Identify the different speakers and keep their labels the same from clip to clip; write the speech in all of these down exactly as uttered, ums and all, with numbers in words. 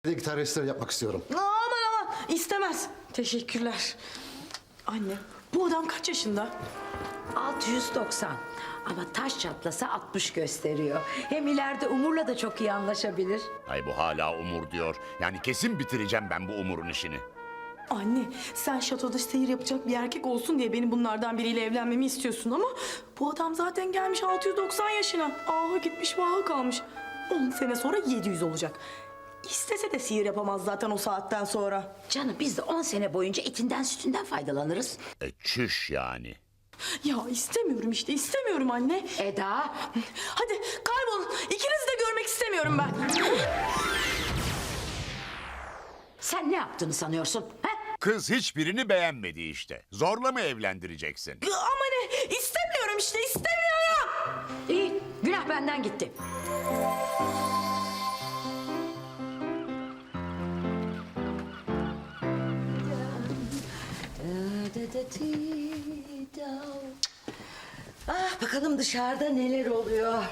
Speaker 1: Gitar restore yapmak istiyorum.
Speaker 2: Aman aman istemez. Teşekkürler. Anne bu adam kaç yaşında?
Speaker 3: altı yüz doksan. Ama taş çatlasa altmış gösteriyor. Hem ileride Umur'la da çok iyi anlaşabilir.
Speaker 4: Ay bu hala Umur diyor. Yani kesin bitireceğim ben bu Umur'un işini.
Speaker 2: Anne sen şatoda seyir yapacak bir erkek olsun diye benim bunlardan biriyle evlenmemi istiyorsun ama bu adam zaten gelmiş altı yüz doksan yaşına. Aha gitmiş vaha kalmış. on sene sonra yedi yüz olacak. İstese de sihir yapamaz zaten o saatten sonra.
Speaker 3: Canım biz de on sene boyunca etinden sütünden faydalanırız.
Speaker 4: E çüş yani.
Speaker 2: Ya istemiyorum işte istemiyorum anne.
Speaker 3: Eda.
Speaker 2: Hadi kaybolun. İkinizi de görmek istemiyorum ben.
Speaker 3: Sen ne yaptığını sanıyorsun? He?
Speaker 4: Kız hiçbirini beğenmedi işte. Zorla mı evlendireceksin?
Speaker 2: Ama ne? İstemiyorum işte istemiyorum.
Speaker 3: İyi, günah benden gitti. Ah, bakalım dışarıda neler oluyor.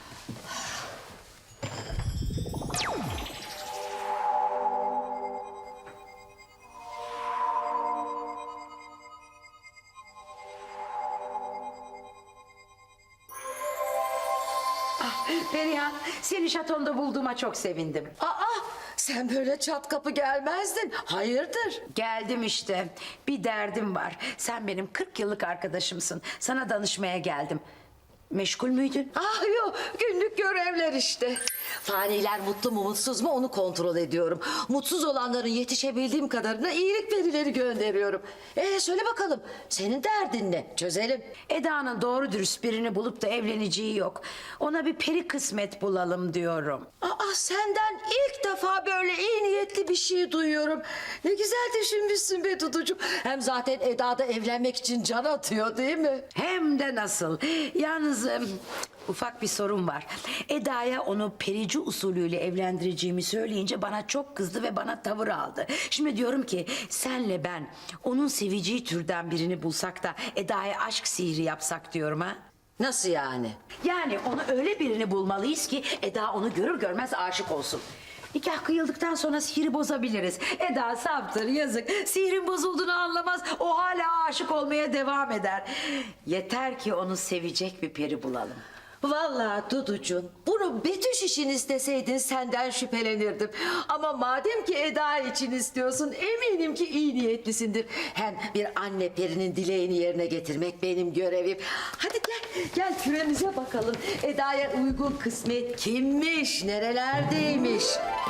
Speaker 3: Ah, Perihan, seni şatonda bulduğuma çok sevindim.
Speaker 5: Aa, sen böyle çat kapı gelmezdin. Hayırdır?
Speaker 3: Geldim işte. Bir derdim var. Sen benim kırk yıllık arkadaşımsın. Sana danışmaya geldim. Meşgul müydün?
Speaker 5: Ah yok, günlük görevler işte. Faniler mutlu mu mutsuz mu onu kontrol ediyorum. Mutsuz olanların yetişebildiğim kadarına iyilik verileri gönderiyorum. Ee söyle bakalım, senin derdin ne? Çözelim.
Speaker 3: Eda'nın doğru dürüst birini bulup da evleneceği yok. Ona bir peri kısmet bulalım diyorum.
Speaker 5: Aa, senden ilk defa böyle iyi niyetli bir şey duyuyorum. Ne güzel düşünmüşsün be Duducuğum. Hem zaten Eda da evlenmek için can atıyor değil mi?
Speaker 3: Hem de nasıl. Yalnız em, ufak bir sorun var. Eda'ya onu perici usulüyle evlendireceğimi söyleyince bana çok kızdı ve bana tavır aldı. Şimdi diyorum ki senle ben onun seveceği türden birini bulsak da Eda'ya aşk sihri yapsak diyorum ha.
Speaker 5: Nasıl yani?
Speaker 3: Yani onu öyle birini bulmalıyız ki Eda onu görür görmez aşık olsun. Nikah kıyıldıktan sonra sihri bozabiliriz. Eda saptır yazık. Sihrin bozulduğunu anlamaz. O hala aşık olmaya devam eder. Yeter ki onu sevecek bir peri bulalım.
Speaker 5: Vallahi Duducuğum, bunu Betüş için isteseydin senden şüphelenirdim. Ama madem ki Eda için istiyorsun eminim ki iyi niyetlisindir. Hem bir anne perinin dileğini yerine getirmek benim görevim. Hadi gel, gel küremize bakalım. Eda'ya uygun kısmet kimmiş, nerelerdeymiş?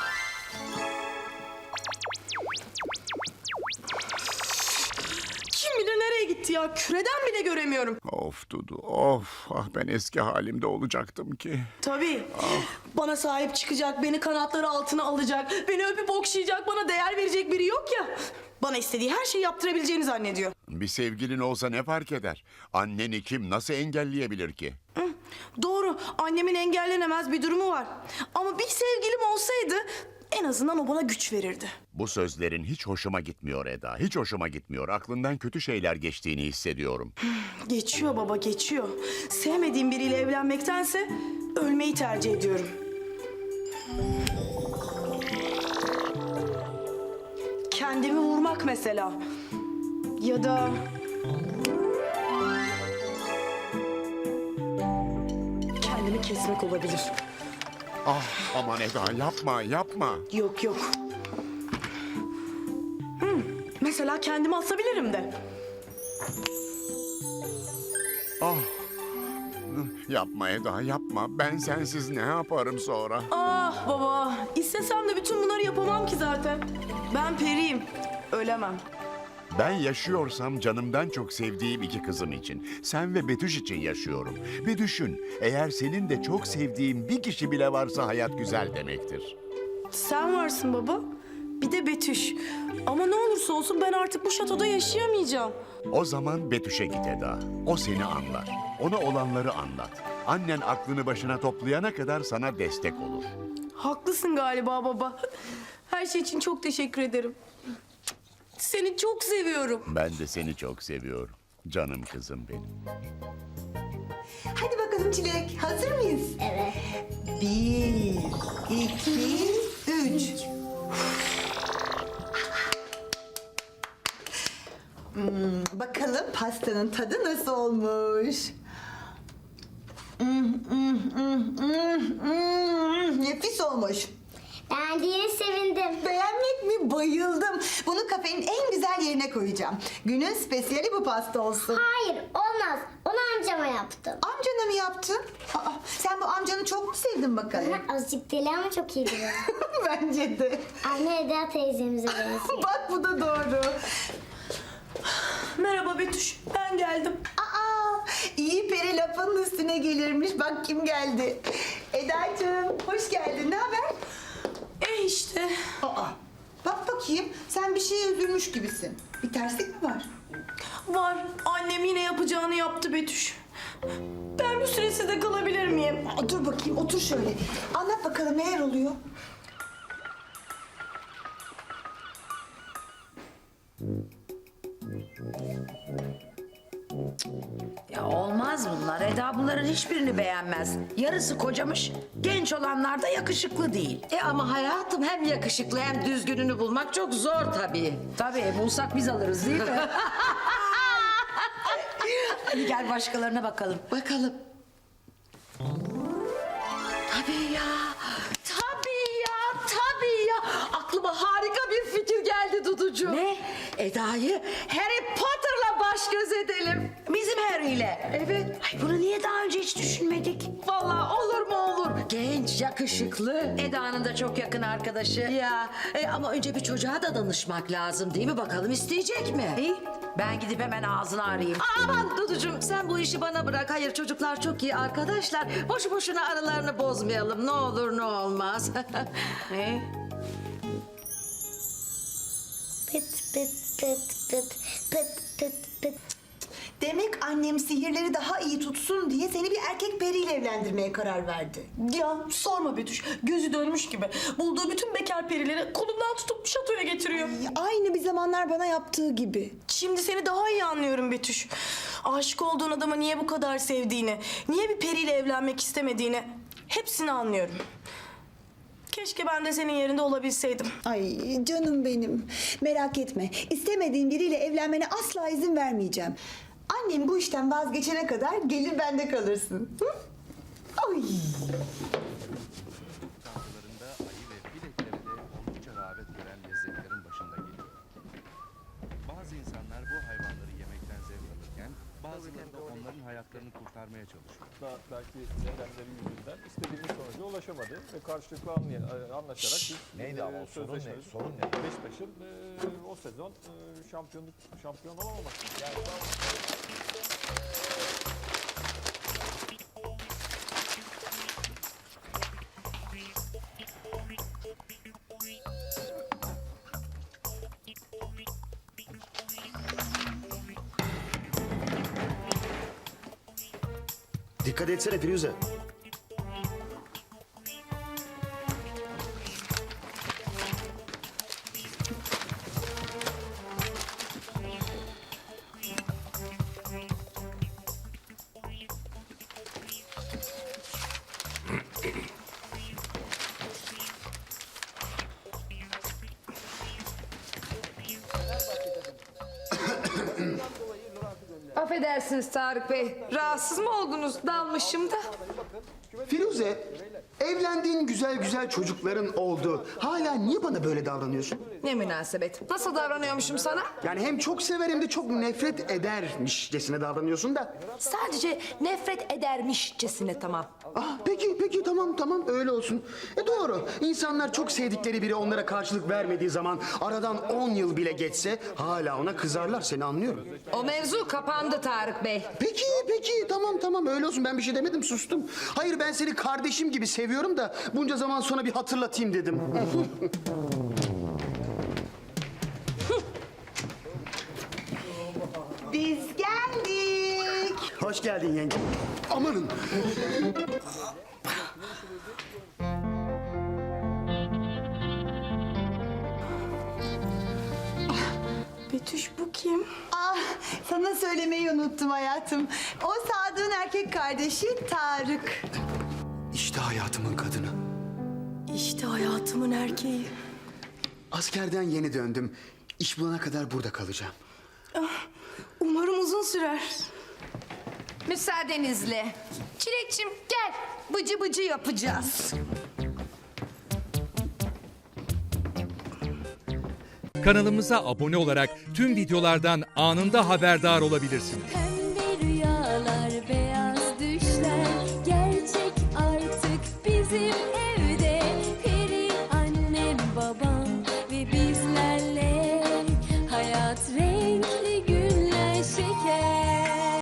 Speaker 2: Kim bilir nereye gitti ya? Küreden bile göremiyorum.
Speaker 4: Of Dudu of. Ah ben eski halimde olacaktım ki.
Speaker 2: Tabii. Bana sahip çıkacak, beni kanatları altına alacak, beni öpüp okşayacak, bana değer verecek biri yok ya. Bana istediği her şeyi yaptırabileceğini zannediyor.
Speaker 4: Bir sevgilin olsa ne fark eder? Anneni kim nasıl engelleyebilir ki?
Speaker 2: Hı, doğru, annemin engellenemez bir durumu var. Ama bir sevgilim olsaydı en azından o bana güç verirdi.
Speaker 4: Bu sözlerin hiç hoşuma gitmiyor Eda. Hiç hoşuma gitmiyor. Aklından kötü şeyler geçtiğini hissediyorum.
Speaker 2: Geçiyor baba, geçiyor. Sevmediğim biriyle evlenmektense ölmeyi tercih ediyorum. Kendimi vurmak mesela. Ya da... kendimi kesmek olabilir.
Speaker 4: Ah aman Eda yapma yapma.
Speaker 2: Yok yok. Hmm, mesela kendimi asabilirim de.
Speaker 4: Ah. Yapma Eda yapma. Ben sensiz ne yaparım sonra?
Speaker 2: Ah baba, istesem de bütün bunları yapamam ki zaten. Ben periyim, ölemem.
Speaker 4: Ben yaşıyorsam canımdan çok sevdiğim iki kızım için. Sen ve Betüş için yaşıyorum. Bir düşün. Eğer senin de çok sevdiğin bir kişi bile varsa hayat güzel demektir.
Speaker 2: Sen varsın baba, bir de Betüş. Ama ne olursa olsun ben artık bu şatoda yaşayamayacağım.
Speaker 4: O zaman Betüş'e git Eda. O seni anlar. Ona olanları anlat. Annen aklını başına toplayana kadar sana destek olur.
Speaker 2: Haklısın galiba baba. Her şey için çok teşekkür ederim. Seni çok seviyorum.
Speaker 4: Ben de seni çok seviyorum. Canım kızım benim.
Speaker 6: Hadi bakalım Çilek, hazır mıyız? Evet. Bir, iki, üç.
Speaker 1: Bakalım pastanın tadı nasıl olmuş? Hmm, hmm, hmm, hmm, hmm. Nefis olmuş.
Speaker 6: Beğendiğine sevindim.
Speaker 1: Beğenmek mi? Bayıldım. Bunu kafenin en güzel yerine koyacağım. Günün spesiyali bu pasta olsun.
Speaker 6: Hayır olmaz. Onu amcama yaptım.
Speaker 1: Amcana mı yaptın? Aa, sen bu amcanı çok mu sevdin bakalım?
Speaker 6: Azıcık deli ama çok iyi biri.
Speaker 1: Bence de.
Speaker 6: Anne Eda teyzemize benziyor.
Speaker 1: Bak bu da doğru.
Speaker 2: Merhaba Betüş, ben geldim.
Speaker 1: Aa, iyi peri lafının üstüne gelirmiş. Bak kim geldi. Edacığım hoş geldin. Ne haber?
Speaker 2: E işte.
Speaker 1: Aa, bak bakayım sen bir şeye üzülmüş gibisin. Bir terslik mi var?
Speaker 2: Var. Annem yine yapacağını yaptı Betüş. Ben bir süre sizde kalabilir miyim?
Speaker 1: Aa, dur bakayım otur şöyle. Anlat bakalım neler oluyor?
Speaker 3: Ya olmaz bunlar. Eda bunların hiçbirini beğenmez. Yarısı kocamış, genç olanlar da yakışıklı değil.
Speaker 5: E ama hayatım hem yakışıklı hem düzgününü bulmak çok zor tabii.
Speaker 3: Tabii bulsak biz alırız değil mi? Hadi gel başkalarına bakalım.
Speaker 5: Bakalım. Tabii ya. Tabii ya. Tabii ya. Aklıma harika bir fikir geldi Duducuğum.
Speaker 3: Ne?
Speaker 5: Eda'yı Harry Potter'la baş göz edelim.
Speaker 3: Bizim Harry ile.
Speaker 5: Evet.
Speaker 3: Ay bunu niye daha önce hiç düşünmedik?
Speaker 5: Vallahi olur mu olur. Genç, yakışıklı.
Speaker 3: Eda'nın da çok yakın arkadaşı.
Speaker 5: Ya e, ama önce bir çocuğa da danışmak lazım değil mi? Bakalım isteyecek mi?
Speaker 3: İyi, ben gidip hemen ağzını arayayım.
Speaker 5: Aman Duducuğum sen bu işi bana bırak. Hayır çocuklar çok iyi arkadaşlar. Boşu boşuna aralarını bozmayalım. Ne olur ne olmaz.
Speaker 3: Ne?
Speaker 6: Pıt pıt pıt pıt pıt pıt pıt.
Speaker 1: Demek annem sihirleri daha iyi tutsun diye seni bir erkek periyle evlendirmeye karar verdi.
Speaker 2: Ya sorma Betüş. Gözü dönmüş gibi. Bulduğu bütün bekar perileri kolundan tutup şatoya getiriyor.
Speaker 1: Aynı bir zamanlar bana yaptığı gibi.
Speaker 2: Şimdi seni daha iyi anlıyorum Betüş. Aşık olduğun adamı niye bu kadar sevdiğini, niye bir periyle evlenmek istemediğini hepsini anlıyorum. Keşke ben de senin yerinde olabilseydim.
Speaker 1: Ay canım benim. Merak etme. İstemediğin biriyle evlenmene asla izin vermeyeceğim. Annem bu işten vazgeçene kadar gelir bende kalırsın. Hı? Ay.
Speaker 7: Tatlılarında ayı ve filekleri de oldukça rağbet gören lezzetlerin başında geliyor. Bazı insanlar bu hayvanları yemekten zevk alırken bazıları da onların hayatlarını kurtarmaya çalışıyor.
Speaker 8: Da belki nedenleri yüzünden istediğimiz sonuca ulaşamadı ve karşılıklı anlay- e, anlaşarak biz
Speaker 9: Neydi
Speaker 8: e,
Speaker 9: ama o sorun ne?
Speaker 8: sözleşmemizi-
Speaker 9: Sorun ne?
Speaker 8: Beşiktaş'ın e, o sezon e, şampiyonluk şampiyon olamaması. Yani
Speaker 9: Dikkat etsene Firuze.
Speaker 10: Affedersiniz Tarık Bey. Rahatsız mı oldunuz? Dalmışım da.
Speaker 11: Firuze, evlendiğin güzel güzel çocukların oldu. Hala niye bana böyle davranıyorsun?
Speaker 10: Ne münasebet. Nasıl davranıyormuşum sana?
Speaker 11: Yani hem çok sever hem de çok nefret edermişcesine davranıyorsun da.
Speaker 10: Sadece nefret edermişçesine tamam.
Speaker 11: Ah peki peki tamam tamam öyle olsun. E doğru. İnsanlar çok sevdikleri biri onlara karşılık vermediği zaman aradan on yıl bile geçse hala ona kızarlar, seni anlıyorum.
Speaker 10: O mevzu kapandı Tarık Bey.
Speaker 11: Peki peki tamam tamam öyle olsun, ben bir şey demedim, sustum. Hayır, ben seni kardeşim gibi seviyorum da bunca zaman sonra bir hatırlatayım dedim.
Speaker 1: Biz geldik.
Speaker 11: Hoş geldin yenge. Amanın.
Speaker 2: Betüş bu kim?
Speaker 1: Ah, sana söylemeyi unuttum hayatım. O Sadık'ın erkek kardeşi Tarık.
Speaker 11: İşte hayatımın kadını.
Speaker 2: İşte hayatımın erkeği.
Speaker 11: Askerden yeni döndüm. İş bulana kadar burada kalacağım.
Speaker 2: Umarım uzun sürer.
Speaker 10: Müsaadenizle. Çilekçim gel. Bıcı bıcı yapacağız.
Speaker 12: Kanalımıza abone olarak tüm videolardan anında haberdar olabilirsiniz.